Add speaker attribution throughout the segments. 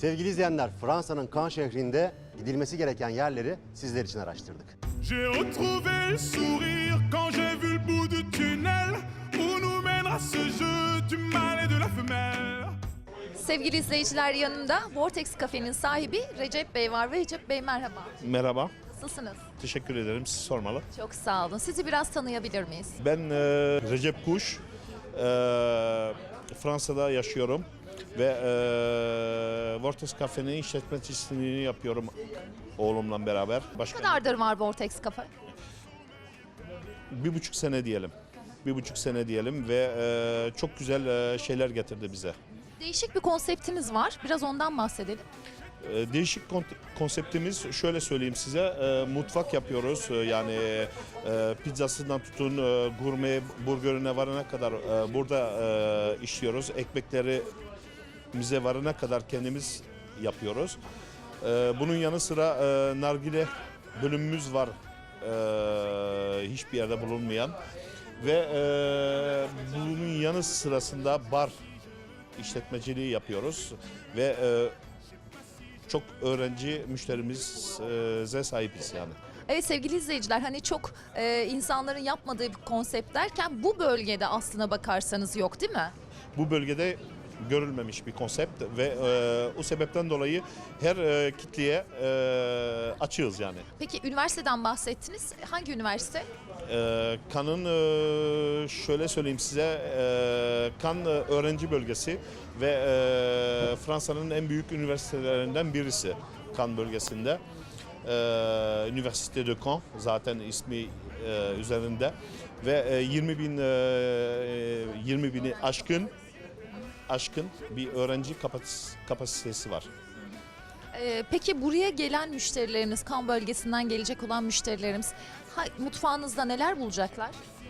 Speaker 1: Sevgili izleyenler, Fransa'nın Cannes şehrinde gidilmesi gereken yerleri sizler için araştırdık.
Speaker 2: J'ai retrouvé le sourire quand j'ai vu le bout du tunnel où nous mènera ce jeu du mal et de la femelle.
Speaker 3: Sevgili izleyiciler, yanımda Vortex Cafe'nin sahibi Recep Bey var. Recep Bey merhaba.
Speaker 4: Merhaba,
Speaker 3: Nasılsınız?
Speaker 4: teşekkür ederim. Siz sormalı.
Speaker 3: Çok sağ olun. Sizi biraz tanıyabilir miyiz?
Speaker 4: Ben Recep Kuş, Fransa'da yaşıyorum ve Vortex Cafe'nin işletmecisini yapıyorum oğlumla beraber.
Speaker 3: Ne kadardır var Vortex Cafe?
Speaker 4: 1,5 sene diyelim. 1,5 sene diyelim ve çok güzel şeyler getirdi bize.
Speaker 3: Değişik bir konseptiniz var. Biraz ondan bahsedelim.
Speaker 4: Değişik konseptimiz şöyle söyleyeyim size, mutfak yapıyoruz yani pizzasından tutun gurme burgerine varana kadar burada işliyoruz. Ekmeklerimize varana kadar kendimiz yapıyoruz. Bunun yanı sıra nargile bölümümüz var, hiçbir yerde bulunmayan ve bunun yanı sırasında bar işletmeciliği yapıyoruz ve çok öğrenci müşterimize sahibiz yani.
Speaker 3: Evet sevgili izleyiciler, hani çok insanların yapmadığı bir konsept derken bu bölgede aslına bakarsanız yok değil mi?
Speaker 4: Bu bölgede görülmemiş bir konsept ve o sebepten dolayı her kitleye açığız yani.
Speaker 3: Peki üniversiteden bahsettiniz. Hangi üniversite?
Speaker 4: Cannes'ın şöyle söyleyeyim size, Cannes öğrenci bölgesi ve Fransa'nın en büyük üniversitelerinden birisi Cannes bölgesinde. Üniversite de Caen zaten ismi üzerinde ve 20 bini aşkın bir öğrenci kapasitesi var.
Speaker 3: Peki buraya gelen müşterileriniz, Cannes bölgesinden gelecek olan müşterilerimiz mutfağınızda neler bulacaklar?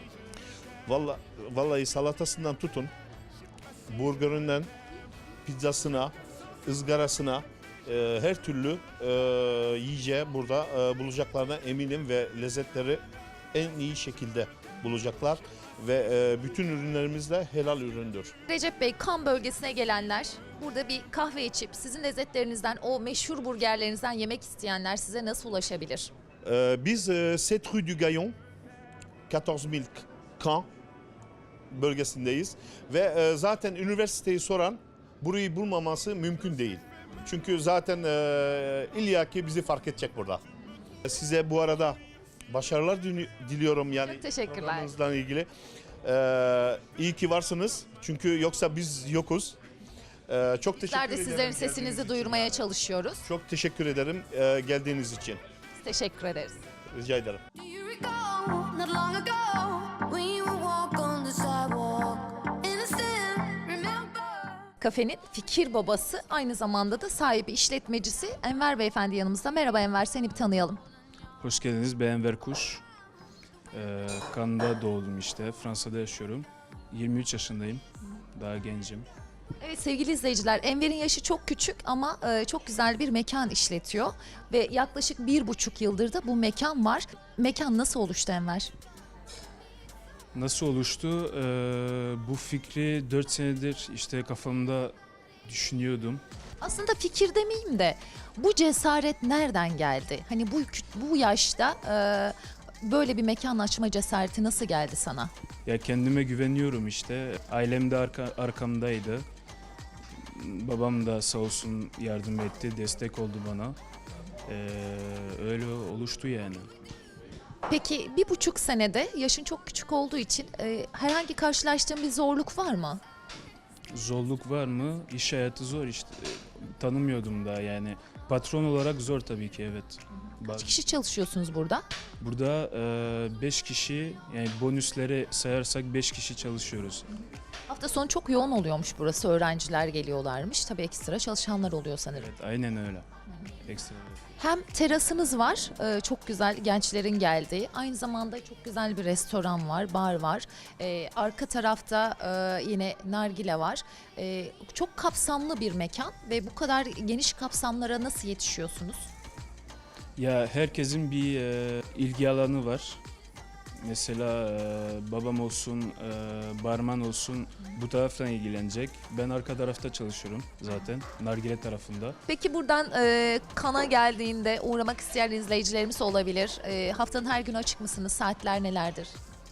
Speaker 4: Vallahi salatasından tutun, burgerinden pizzasına, ızgarasına her türlü yiyeceği burada bulacaklarına eminim ve lezzetleri en iyi şekilde bulacaklar ve bütün ürünlerimiz de helal üründür.
Speaker 3: Recep Bey, Cannes bölgesine gelenler, burada bir kahve içip sizin lezzetlerinizden, o meşhur burgerlerinizden yemek isteyenler size nasıl ulaşabilir?
Speaker 4: Biz 7 Rue du Gaillon, 14.000 Caen bölgesindeyiz ve zaten üniversiteyi soran burayı bulmaması mümkün değil. Çünkü zaten illaki bizi fark edecek burada. Size bu arada başarılar diliyorum yani.
Speaker 3: Çok teşekkürler.
Speaker 4: Programınızla ilgili. İyi ki varsınız çünkü yoksa biz yokuz. Çok teşekkür
Speaker 3: Bizler de
Speaker 4: ederim.
Speaker 3: sizlerin sesinizi duyurmaya çalışıyoruz.
Speaker 4: Çok teşekkür ederim geldiğiniz için.
Speaker 3: Teşekkür ederiz.
Speaker 4: Rica ederim.
Speaker 5: Do you recall not long ago when you would walk on the sidewalk? Innocent, remember?
Speaker 3: Kafenin fikir babası, aynı zamanda da sahibi, işletmecisi Enver Beyefendi yanımızda. Merhaba Enver, seni bir tanıyalım.
Speaker 6: Hoş geldiniz. Ben Enver Kuş. Cannes'da doğdum işte. Fransa'da yaşıyorum. 23 yaşındayım. Daha gencim.
Speaker 3: Evet sevgili izleyiciler, Enver'in yaşı çok küçük ama çok güzel bir mekan işletiyor. Ve yaklaşık 1,5 yıldır da bu mekan var. Mekan nasıl oluştu Enver?
Speaker 6: Nasıl oluştu? Bu fikri 4 senedir işte kafamda düşünüyordum.
Speaker 3: Aslında fikir demeyeyim de bu cesaret nereden geldi? Hani bu yaşta böyle bir mekan açma cesareti nasıl geldi sana?
Speaker 6: Ya kendime güveniyorum işte. Ailem de arkamdaydı. Babam da sağ olsun yardım etti, destek oldu bana. Öyle oluştu yani.
Speaker 3: Peki 1,5 senede, yaşın çok küçük olduğu için herhangi karşılaştığın bir zorluk var mı?
Speaker 6: Zorluk var mı? İş hayatı zor işte. Tanımıyordum daha yani. Patron olarak zor tabii ki, evet.
Speaker 3: Kaç kişi çalışıyorsunuz burada?
Speaker 6: Burada 5 kişi, yani bonusları sayarsak 5 kişi çalışıyoruz.
Speaker 3: Hafta sonu çok yoğun oluyormuş burası. Öğrenciler geliyorlarmış. Tabii ekstra çalışanlar oluyor sanırım.
Speaker 6: Evet, aynen öyle. Ekstra.
Speaker 3: Hem terasınız var, çok güzel, gençlerin geldiği. Aynı zamanda çok güzel bir restoran var, bar var. Arka tarafta yine nargile var. Çok kapsamlı bir mekan ve bu kadar geniş kapsamlara nasıl yetişiyorsunuz?
Speaker 6: Ya herkesin bir ilgi alanı var. Mesela babam olsun, barman olsun bu taraftan ilgilenecek. Ben arka tarafta çalışıyorum zaten, nargile tarafında.
Speaker 3: Peki buradan Kana geldiğinde uğramak isteyen izleyicilerimiz olabilir. Haftanın her günü açık mısınız? Saatler nelerdir?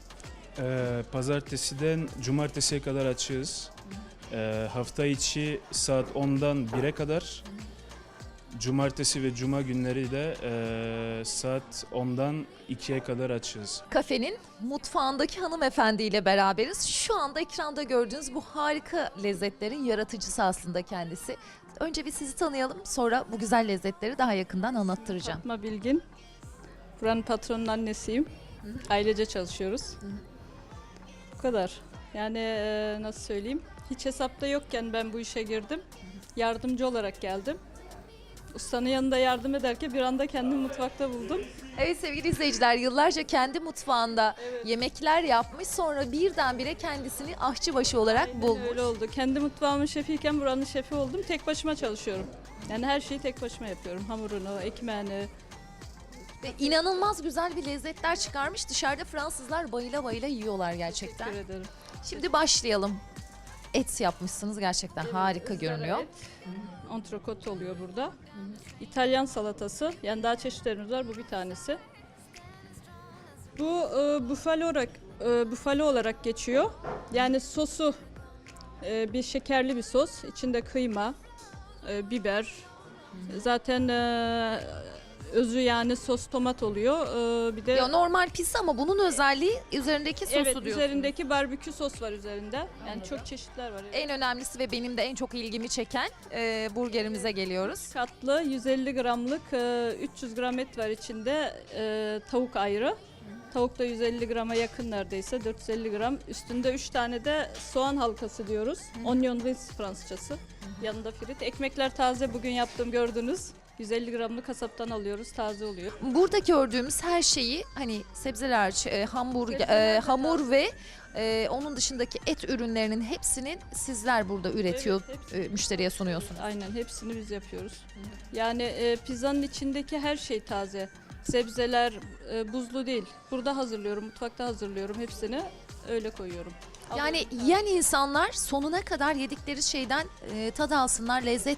Speaker 6: Pazartesiden cumartesiye kadar açığız. Hafta içi saat 10'dan 1'e kadar. Cumartesi ve cuma günleri de saat 10'dan 2'ye kadar açığız.
Speaker 3: Kafenin mutfağındaki hanımefendiyle beraberiz. Şu anda ekranda gördüğünüz bu harika lezzetlerin yaratıcısı aslında kendisi. Önce bir sizi tanıyalım, sonra bu güzel lezzetleri daha yakından anlattıracağım.
Speaker 7: Fatma Bilgin. Buranın patronun annesiyim. Ailece çalışıyoruz. Bu kadar. Yani nasıl söyleyeyim? Hiç hesapta yokken ben bu işe girdim. Yardımcı olarak geldim. Ustanın yanında yardım ederken bir anda kendimi mutfakta buldum.
Speaker 3: Evet sevgili izleyiciler, yıllarca kendi mutfağında yemekler yapmış, sonra birdenbire kendisini aşçıbaşı olarak
Speaker 7: Aynen
Speaker 3: bulmuş.
Speaker 7: öyle oldu. Kendi mutfağımın şefiyken buranın şefi oldum. Tek başıma çalışıyorum. Yani her şeyi tek başıma yapıyorum. Hamurunu, ekmeğini.
Speaker 3: Ve inanılmaz güzel bir lezzetler çıkarmış. Dışarıda Fransızlar bayıla bayıla yiyorlar gerçekten.
Speaker 7: Teşekkür ederim.
Speaker 3: Şimdi başlayalım. Et yapmışsınız, gerçekten harika
Speaker 7: Izgara
Speaker 3: görünüyor.
Speaker 7: et, Antrikot oluyor burada. İtalyan salatası. Yani daha çeşitlerimiz var. Bu bir tanesi. Bu bufalo olarak geçiyor. Yani sosu bir şekerli bir sos. İçinde kıyma, biber. Zaten özü yani sos tomat oluyor. Bir de
Speaker 3: Ya normal pizza ama bunun özelliği üzerindeki sosu
Speaker 7: evet,
Speaker 3: diyorsunuz.
Speaker 7: üzerindeki barbekü sos var üzerinde. Yani çok çeşitler var. Evet.
Speaker 3: En önemlisi ve benim de en çok ilgimi çeken burgerimize geliyoruz.
Speaker 7: Katlı 150 gramlık 300 gram et var içinde. Tavuk ayrı. Tavuk da 150 grama yakın neredeyse, 450 gram. Üstünde 3 tane de soğan halkası diyoruz. Onion rings Fransızcası. Yanında frit. Ekmekler taze, bugün yaptım gördünüz. 150 gramlık kasaptan alıyoruz, taze oluyor.
Speaker 3: Burada gördüğümüz her şeyi, hani sebzeler hariç,
Speaker 7: Sebzeler
Speaker 3: hamur ve onun dışındaki et ürünlerinin hepsinin sizler burada üretiyor,
Speaker 7: Evet, hepsi.
Speaker 3: müşteriye sunuyorsunuz.
Speaker 7: Aynen, hepsini biz yapıyoruz. Yani pizzanın içindeki her şey taze. Sebzeler buzlu değil. Burada hazırlıyorum, mutfakta hazırlıyorum hepsini. Öyle koyuyorum.
Speaker 3: Yani yiyen insanlar sonuna kadar yedikleri şeyden tad alsınlar, lezzet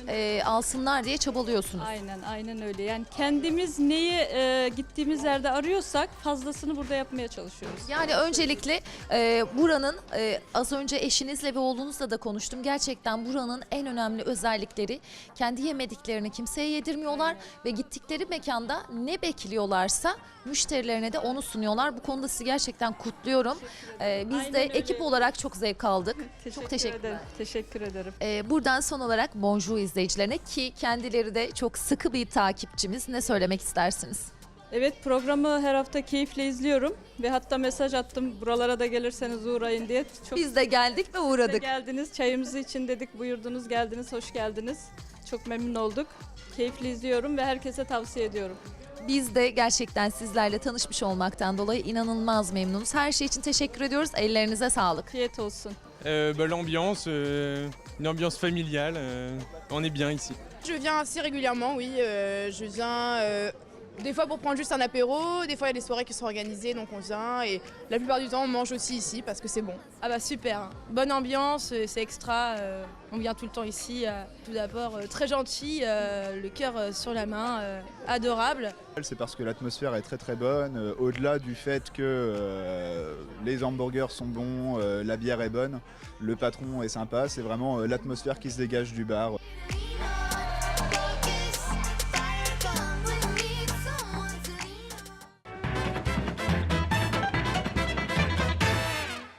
Speaker 3: alsınlar diye çabalıyorsunuz.
Speaker 7: Aynen öyle. Yani kendimiz neyi gittiğimiz yerde arıyorsak fazlasını burada yapmaya çalışıyoruz.
Speaker 3: Yani öncelikle buranın az önce eşinizle ve oğlunuzla da konuştum. Gerçekten buranın en önemli özellikleri, kendi yemediklerini kimseye yedirmiyorlar ve gittikleri mekanda ne bekliyorlarsa müşterilerine de onu sunuyorlar. Bu konuda sizi gerçekten kutluyorum. Biz
Speaker 7: Aynen
Speaker 3: de
Speaker 7: öyle.
Speaker 3: ekip olarak çok zevk aldık. Çok teşekkürler.
Speaker 7: ederim. Teşekkür ederim.
Speaker 3: Buradan son olarak Bonjour izleyicilerine, ki kendileri de çok sıkı bir takipçimiz, ne söylemek istersiniz?
Speaker 7: Evet, programı her hafta keyifle izliyorum ve hatta mesaj attım, buralara da gelirseniz uğrayın diye. Çok
Speaker 3: Biz de geldik ve
Speaker 7: siz de
Speaker 3: uğradık.
Speaker 7: geldiniz, çayımızı için dedik, buyurdunuz, geldiniz, hoş geldiniz. Çok memnun olduk. Keyifli izliyorum ve herkese tavsiye ediyorum.
Speaker 3: Biz de gerçekten sizlerle tanışmış olmaktan dolayı inanılmaz memnunuz. Her şey için teşekkür ediyoruz. Ellerinize sağlık.
Speaker 7: Afiyet olsun.
Speaker 8: L'ambiance, une ambiance familiale, on est bien ici.
Speaker 9: Je viens assez régulièrement, oui. Je viens des fois pour prendre juste un apéro, des fois il y a des soirées qui sont organisées, donc on vient. Et la plupart du temps, on mange aussi ici parce que c'est bon.
Speaker 10: Ah bah super, bonne ambiance, c'est extra, on vient tout le temps ici. Tout d'abord très gentil, le cœur sur la main, adorable.
Speaker 11: C'est parce que l'atmosphère est très très bonne, au-delà du fait que les hamburgers sont bons, la bière est bonne, le patron est sympa, c'est vraiment l'atmosphère qui se dégage du bar.